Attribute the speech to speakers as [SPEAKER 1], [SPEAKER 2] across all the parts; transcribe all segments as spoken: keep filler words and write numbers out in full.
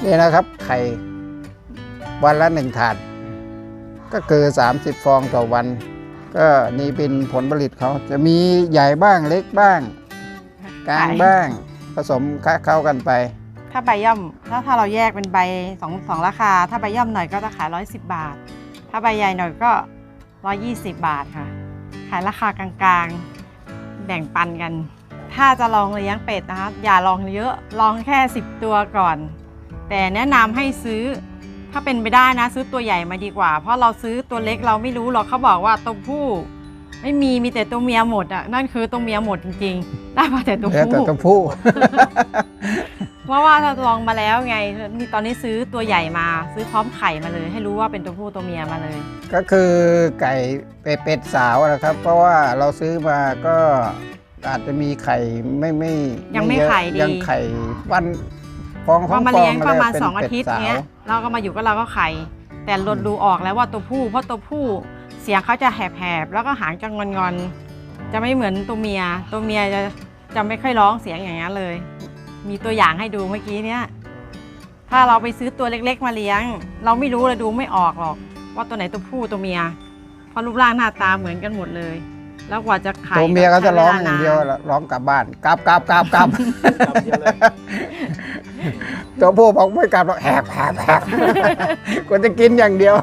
[SPEAKER 1] นี่นะครับไข่วันละหนึ่งถาดก็คือสามสิบฟองต่อวันก็นี่เป็นผลผลิตเขาจะมีใหญ่บ้างเล็กบ้างกลางบ้างผสมคะเข้ากันไป
[SPEAKER 2] ถ้าใบย่อมถ้าถ้าเราแยกเป็นใบสองสองราคาถ้าใบย่อมหน่อยก็จะขายร้อยสิบบาทถ้าใบใหญ่หน่อยก็ร้อยยี่สิบบาทค่ะขายราคากลางๆแบ่งปันกันถ้าจะลองเลี้ยงเป็ดนะคะอย่าลองเยอะลองแค่สิบตัวก่อนแต่แนะนำให้ซื้อถ้าเป็นไปได้นะซื้อตัวใหญ่มาดีกว่าเพราะเราซื้อตัวเล็กเราไม่รู้หรอกเขาบอกว่าตัวผู้ไม่มีมีแต่ตัวเมียหมดอ่ะนั่นคือตัวเมียหมดจริงๆได้มาแต่ตัวผู้
[SPEAKER 1] แต่ตัวผู้
[SPEAKER 2] เพราะว่าถ้าลองมาแล้วไงนี่ตอนนี้ซื้อตัวใหญ่มาซื้อพร้อมไข่มาเลยให้รู้ว่าเป็นตัวผู้ตัวเมียมาเลย
[SPEAKER 1] ก็คือไก่เป็ดสาวนะครับเพราะว่าเราซื้อมาก็อาจจะมีไข่ไม่ไม่
[SPEAKER 2] ยังไม่ไข่ดี
[SPEAKER 1] ยังไข่วันฟองของฟอง
[SPEAKER 2] มาเลี้ยงประมาณสองอาทิตย์เนี้ยเราก็มาอยู่ก็เราก็ไข่แต่ลดดูออกแล้วว่าตัวผู้เพราะตัวผู้เสียงเขาจะแหบๆแล้วก็หางจะงอนๆจะไม่เหมือนตัวเมียตัวเมียจะจะไม่ค่อยร้องเสียงอย่างนี้เลยมีตัวอย่างให้ดูเมื่อกี้เนี้ยถ้าเราไปซื้อตัวเล็กๆมาเลี้ยงเราไม่รู้เลยดูไม่ออกหรอกว่าตัวไหนตัวผู้ตัวเมียเพราะรูปร่างหน้าตาเหมือนกันหมดเลยแล้วกว่าจะไข่
[SPEAKER 1] ตัวเมียก็จะร้องอย่างเดียวร้องกลับบ้านกลับกลับกลับกลับตัวผู้บอกไม่กลับหรอกแหบแหบแหบก็จะกินอย่างเดียว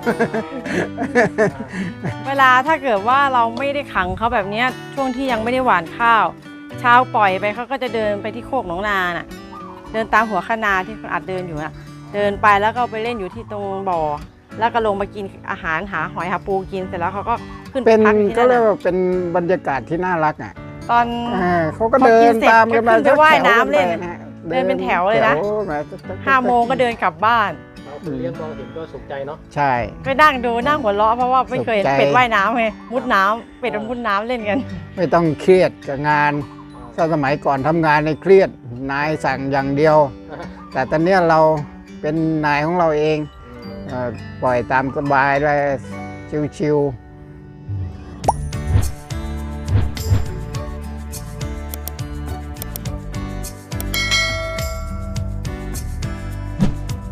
[SPEAKER 2] เวลาถ้าเกิดว่าเราไม่ได้ขังเขาแบบนี้ช่วงที่ยังไม่ได้หว่านข้าวเช้าปล่อยไปเขาก็จะเดินไปที่โคกหนองนาน่ะเดินตามหัวคะนาที่เขาอัดเดินอยู่น่ะเดินไปแล้วก็ไปเล่นอยู่ที่ตรงบ่อแล้วก็ลงมากินอาหารหาหอยหาปูกินเสร็จแล้วเขาก็ขึ้นไปพักที่นั่นก็
[SPEAKER 1] เรียกว่าเป็นบรรยากาศที่น่ารักอ่ะ
[SPEAKER 2] ตอน
[SPEAKER 1] เขาก็เดินตามกันมา
[SPEAKER 2] จะว่ายน้ำเล่นเดินเป็นแถวเลยนะห้าโมงก็เดินกลับบ้าน
[SPEAKER 3] เลี้ยงมองเห็นก็สุขใจเนาะ
[SPEAKER 1] ใช่
[SPEAKER 2] ก็นั่งดูนั่งหัวเราะเพราะว่าไม่เคยเห็นเป็ดว่ายน้ำไงมุดน้ำเป็ดมันมุดน้ำเล่นกัน
[SPEAKER 1] ไม่ต้องเครียดกับงานถ้าสมัยก่อนทำงานในเครียดนายสั่งอย่างเดียวแต่ตอนนี้เราเป็นนายของเราเองปล่อยตามสบายเลยชิวๆ